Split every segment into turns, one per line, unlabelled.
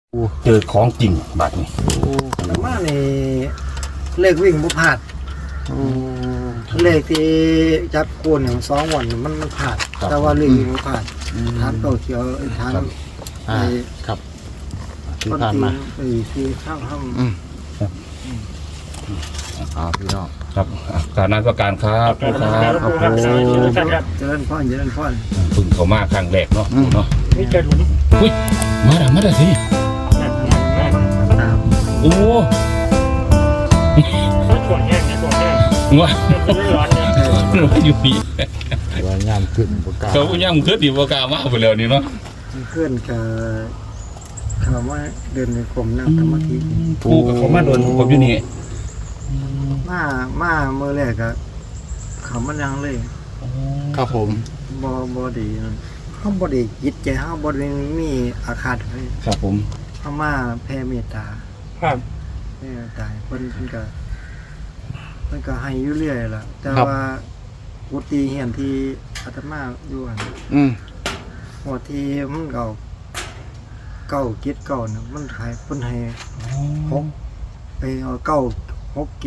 เจอของจริงบาดนี้
แต่ว่านี่เลขวิ่งบ่พลาดเลขที่จับโคนอย่าง2 วันมันพลาดแต่ว่าเลขวิ่งบ่พลาดทานเก่าเขียวทาน
ครับที่
คน
ผ่าน
ที่
มา
ที่ข้าง
พี่น้อง
ครับการนั้นประการครับครับ
เจริญพร
พึ่งเขามาครั้งแรกเนาะเนาะ
นี่จะหลุม
อุ้ยมาได้สิ
ตาม
โอ้
เขาถ่วงแห้งเนี่ยถ่วงแห้ง
ว้า
จะไม่ร้อนเนี่ย
อยู่นี่
ว่างานขึ้นประกาศ
เขาย่ำขึ้นดีประกามาไปแล้วนี่เนาะ
เพื่อนกับคำว่าเดินในกรมนั่งสมาธิ
ปูกับเขามาโดนผมอยู่นี่
มาเมื่อแรกก็เขามันยังเลย
ครับผม
บ่ดีนั่นเฮาบ่ได้จิตใจเฮาบ่ได้มีอาฆาตให้
ครับผม
เฮามาแผ่เมตตา
ครับ
แผ่ตายเพิ่นก็ให้อยู่เรื่อยล่ะแต่ว่ากุฏิเฮียนที่อาตมาอยู่หั่น หัวที่มันเ9 7 9น่ะมันขายเพิ่นให้6ไปเอา9 6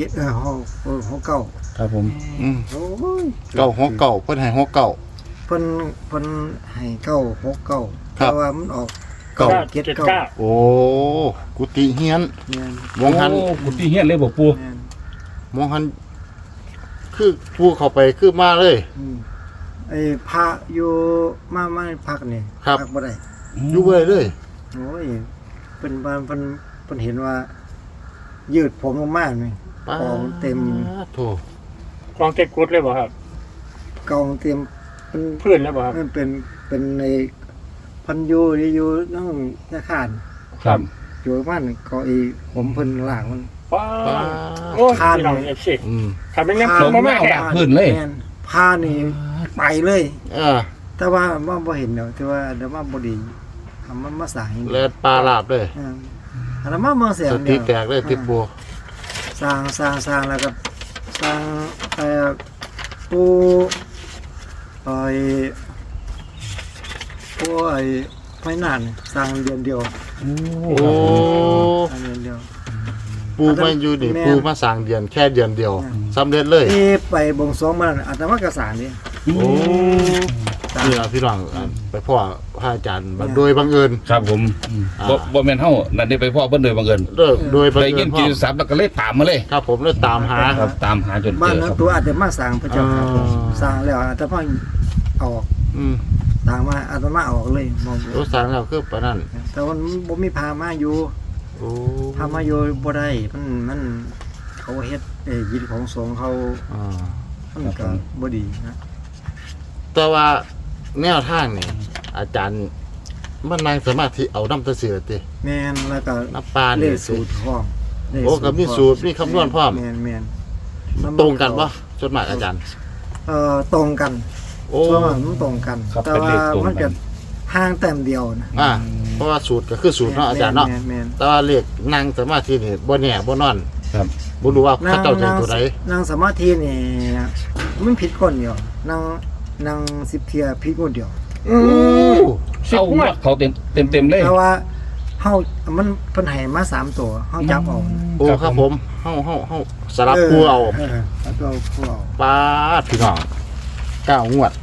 76 9
ครับผม
โอ้ย
เก่าหัวเก่าเพิ่นให้หัวเก่า
เพิ่นให้9 6 9
ครั
แต่
บ
ว่ามันออก
เก้า
9 7 9
โอ้กุฏิเฮียน
แม่น
มองหัน
โอ้กุฏิเฮียนเลยบอกปู
แม่น
มองหันคือผู้เข้าไปคือมาเลย
ไอ้พระอยู่มาพักนี่
ครับ
พักบ่ได้
อยู่เว้ยเลย
โอ้ยเป็นบ้านเพิ่นเห็นว่า ยืดผมลงมานี่
ป้าก
องเต็ม
โถ
กองเต็มกุดเลยบ่ครับ
กองเต็มเป็น
พื้นแล้วบ่ครับ
มันเป็นในพันอยู่นั่งธนาคาร
ครับ
อยู่บ้านก็อีผมเพิ่นล้างมัน
ว้า
ป้า
โอ้ยพี่น้องเอฟซี ขับเป็นน้ำ
ล
ส้ม
ง
มา
แม่
แม่
เอา
แข็
ดั
ง
กพื้นเลย
แม่นผ้านี่ไปเลย แต่ว่าบ่เห็นเนาะแต่ว่าเดี๋ยวมาบ่ดีทำมันมาสร้างให้
แลดปลาลาบเลย
อันนั้นมาเมืองเสีย
ส
ง
ติ
เดียว
แตกเลยติดบัว
สร้างแล้วก็สร้างปูไอ้ไฟนานสร้างเดือนเดียว
โอ้
สร้างเดือนเดียว
ปูมาอยู่นี่
แม่
ปูมาสร้างเดือนแค่เดือนเดียวสำเร็จเลย
ที่ไปบวงสรวงมันอาตมากระสานนี่
โอ้นี่ล่ะพี่น้องไปพ่อพระอาจารย์โดยบังเอิญ
ครับผมบ่แม่นเฮานั่นได้ไปพ่อเบิ่นโดยบังเอิญ
โดยบัง
ได้
เอิ
ยิ
ญ
น
พ่
กิ
อ
นสับแล้วก็เลยตามมาเลย
ครับผมเลยตามหา
ครับตามหาจน
บ้า
เจ
น
อ
นั้
คน รับ
ตัวอาจจะมาสร้างพระเจ้าค่ะ
อ๋อ
สร้างแล้วอาตมาออก
อืม
สร้างมาอาตมาออกเลยมอง
รถสร้างแล้วคือปานนั้น
แต่ว่ามันบ่มีพามาอยู่
โอ้
พามาอยู่บ่ได้มันเขาเฮ็ดยินของสงฆ์เขา
อ่า
มันก็บ่ดีนะ
แต่ว่าแนวทางนี่อาจารย์มันนั่งสมาธิเอาน้ำตะเสือติ
แม่นแล้วก็
น้ำปลา
เล
นี่
ขสูตรพร้อมเลข
โอ้ก็มีสูตรมีคำนวณพร้อม
แม่นมัน
ตรงกันปะจดหมายอาจารย์
ตรงกัน
โอ้
ส่วนมากมันตรงกัน
ครับ
แต่
เป็นเล
ว่า
ขตรง
มัน
กั
จะ
น
ห่างแต้มเดียวนะ
เพราะว่าสูตรก็คือสูตรเนาะอาจารย์เนาะ
แม่น
แต่ว่าเลขนั่งสมาธินี่บ่แน่บ่นอน
ครับ
บ่รู้ว่า
ๆ
เขาเจ้าใจตัวใด
นั่งสมาธินี่มันผิดคนเดียวนั่ง10เที่ยผิดคนเดียว
โอ้
เอาเขาเต็มเลย
แต่ว่าเฮามันเพิ่นให้มา3ตัวเฮาจับเอา
โอ้ครับผมเฮาสลับคู่เอา
แล้วก็คู่เอา
ปาดพี่น้อง9งวด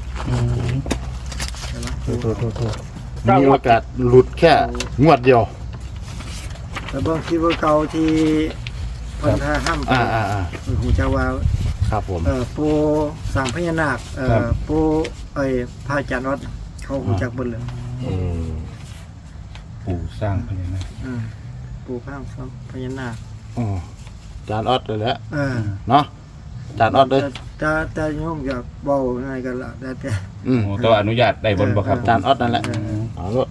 มีโอกาสหลุดแค่งวดเดียว
แต่บางทีว่าเก่าที่เพิ่นถ้าห้ามไป หูจะว่า
ครับผม
ปูสร้างพญานาคปูพระอาจารย์วัดเขาหูจักเบิ่นเลย
ปู่สร้างพญานาค
ปูพระพญานาค
จานออดเลยแหละ
เออ
เนาะจานออดเลย
แต่โยมอยากเว้าง่ายกันละแต่
แต่ว่าอนุญาตได้บนบ่ครับ
จานออดนั่นแหละเอาลูก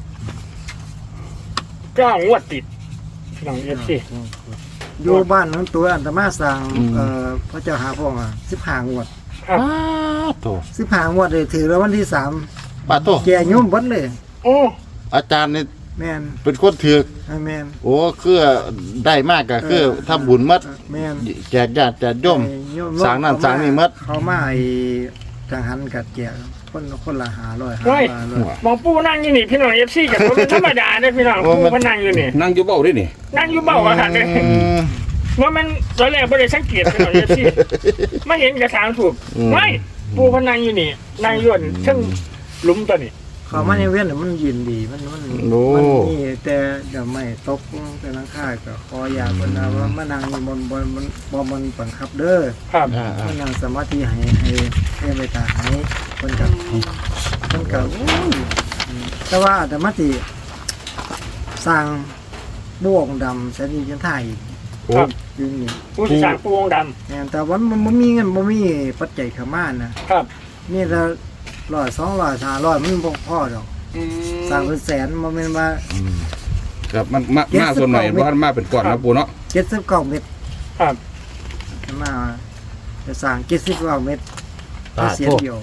9 งวดติดพี่น้องเอฟซี
อยู่บ้านนั้นตัวอันตมาสร้างพระเจ้าหาพ่อมา15 งวด
ป้าโต
15 งวดเลยถือแล้ววันที่
ป้าโต
3แก่โยมเบิดเลย
โอ้
อาจารย์นี่
แม่น
เป็นคนถือก
แม่น
โอ้คือได้มากก็คือทำบุญมัด
แม่น
แจกญาติแจกโยม สร้างนั่นสร้างนี่หมด
เขามาจังหันกัดแจกคนละ500
เฮ้ย
500
มองปูนั่งอยู่นี่พี่น้อง FC กับผมเป็นธรรมดาเด้อพี่น้องปูเพิ่นนั่งอยู่นี่
นั่งอยู่เบ้าด้วยนี่
นั่งอยู่เบ้าอาหารเนี่ยว่ามันตอนแรกไม่ได้สังเกตพี่น้องสิไม่เห็นกระถางถูกไม่ปูเพิ่นนั่งอยู่นี่นั่งอยู่ซึ่งหลุมตัวนี้
เขามาในเวียนน่ะมันยินดีมันนี่แต่เดี๋ยวไม่ตกแต่หลังคาก็ขออยากเพิ่นว่ามานั่งอยู่บนบ่มันบังคับเด้อ
ครับ
มานั่งสมาธิให้ไปตาให้เพิ่นก็โอ้ยแต่ว่าอาตมาสิสร้างบ่วงดำแสนดีจันทายอีก
ครับ
อยู่นี่
ปูสิสร้างปูวงด
แม่นแต่ว่ามันบ่มีเงินบ่มีปัจจัยเข้ามานะ
ำครับ
นี่ละ100 200 500มันบ่พอดอกสร้างเป็นแสนบ่แม่นว่า
ครับมันมาส่วนหน่อยเพราะมันมาเป็นก้อนนะปูเนาะ
79เมตร
ครับ
มาจะสร้าง79เมตร
ตา
เสีย
โทษ
เดียว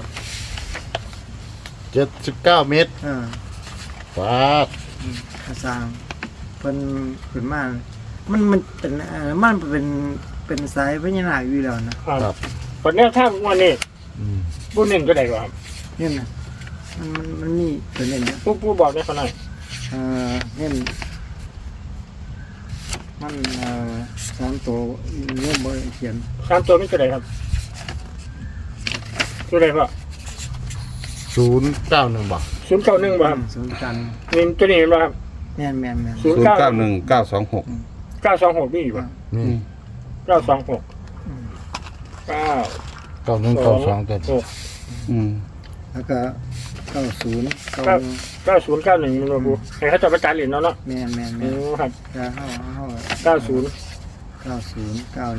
79 เมตร ฟาด
จะสร้างเพิ่นขึ้นมามันเป็นมันเป็นสายพญานาคอยู่แล้วนะครับ
คนแนวทางวันนี้ปูหนึ่งก็ได้กว่าครับ
เนี่ยนะมันมีตัวเน้นนะ
ปูบอกได้เขาหน่อย
เน้นมัน3ตัวเริ่มบ่เขียน
สามตัวไม่ก็ได้ครับตัวใดพ่อ
091บ่
091บ่ครับ
ศูนย์กัน
นี่ตัวนี้บ่ครับ
แม่น
091926
926นี่บ่
นี่
926
9192ตัว
อืม
แล้วก็90
9091มันบ่ปูให้เขาจะประจานเหรียญเนาะ
แม่น
ครับ
จะเฮา
90
90 91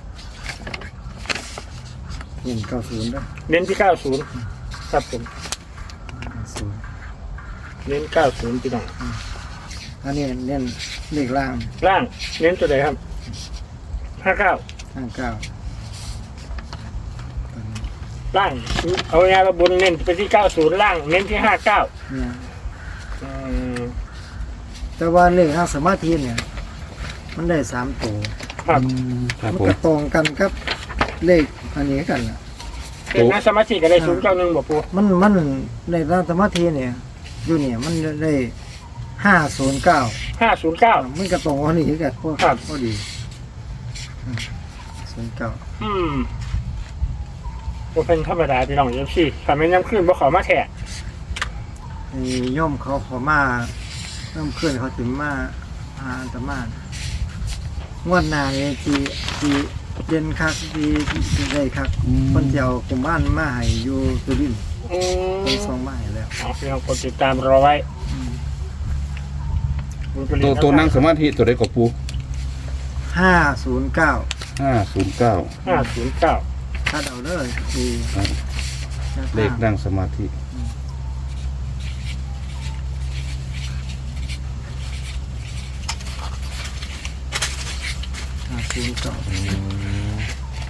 นี่90เด้อ
เน้นที่90ครับผมเน้น90พี่น้อง
อันนี้เน้นเลขล่าง
ล่างเน้นตัวใดครับ59
59
ล่างเอาง่ายๆว่าบนเน้นไปที่90ล่างเน้นที่59
เนี่ยแต่ว่าเลขทางสมาธิเนี่ย มันได้3ตัว
ครับ
ครับ
มัน
ผม
ก็ตรงกันกับเลขอันนี้กันน่ะ
เป็นนักสมาธิก็ได้091บ่ปู
มันในทางสมาธิเนี่ย อยู่เนี่ยมันได้509
509
มันก็ตรงกับนี้กันพวก
ครับ
พอดี09
บ่เป็นธรรมดาพี่น้องFCถ้าแม่นยามคืนบ่ขอมาแท้
นี่โยมเขาขอมาเริ่มขึ้นเขาถึงมาหาอาตมางวดหน้านี่ที่เย็นคักที่ได้คักเพิ่นสิเอากุมบ้านมาให้อยู่ตุลินทร์เพิ่นส่งมาให้แล้ว
เอาพี่น้องกดติดตามรอไว้
ตัวนั่งสมาธิตัวใดก็ปู
509
509
509
ถ้าเอาเลยคือ
เลขนั่งสมาธิ
509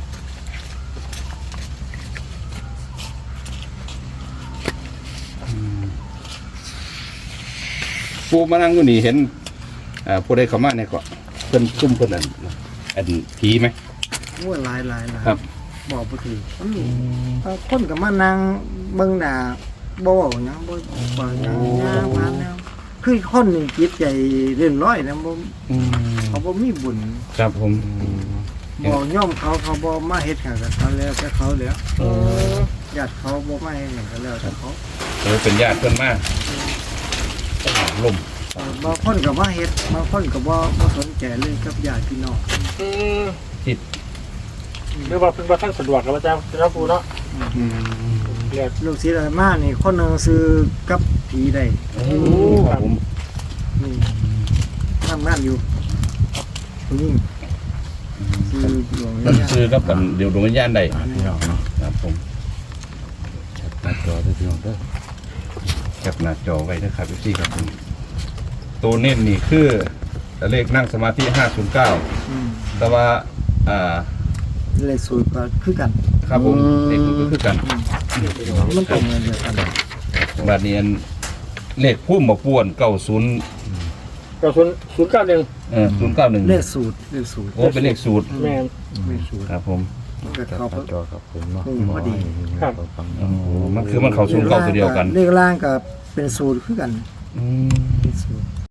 ปูมานั่งอยู่นี่เห็นผู้ใดเข้ามาเนี่ยก็เพิ่นซุ่มเพิ่นอันผีไหม
โอ้ยหลาย
ครับ
บอกบ่ถูกมันมีคนก็มานั่งเบิ่งหน้าบ่เว้าหยังบ่หยังผ่านแล้วคือคนนี่จิตใจเรื่อนร้อยนะบ่เขาบ่มีบุญ
ครับผม
บ่ย่อมเขาบ่มาเฮ็ดให้กับเขาแล้วแต่เขาแล้วญาติเขาบ่มาเฮ็ดให้กันแล้วแต่เขา
เป็นญาติเพิ่นมาลม
บางคนก็บ่เฮ็ดบางคนก็บ่สนใจเลยกับญาติพี่น้อง
จิต
หรือว่าเพิ่นบ่ทันสะดวกกับอาจารย์เจ้าปูเนาะเรียก
ลูกศิษย์อาตมานี่คนหนึงซื้อกับผีได้
ครับผม
นี่ทำงานอยู่ผู้หญิงซื้อหลวง
เพิ่น
เนี่ย
ซื้อกับเดี๋ยวดวงวิญญาณได้
พี่น้องเนาะ
ครับผมหน้าจอด้วยพี่น้องเด้อแคปหน้าจอไว้นะครับพี่ครับผมตัวเน้นนี่คือเลขนั่งสมาธิ509แต่ว่า
เลยสูตรก็คือกัน
ครับผมเลขมันก็คือกัน
มันตรงกันเลยกัน
บัดนี้อันเลขพุ่มบ่ป่วน90
ก็091
091
เลขสูตร
โอ้เป็นเลขสูตร
แม่น
เลขสูตร
ครับผม
มันก็
จับ
เข้า
หน้าจอครับผมเนาะ
พอดี
ครับ
ฟัง
โอ้มันคือมันเข้าศูนย์เก้าตัวเดียวกัน
เลขล่างก็เป็นสูตรคือกัน
อืม
เป็นสูตร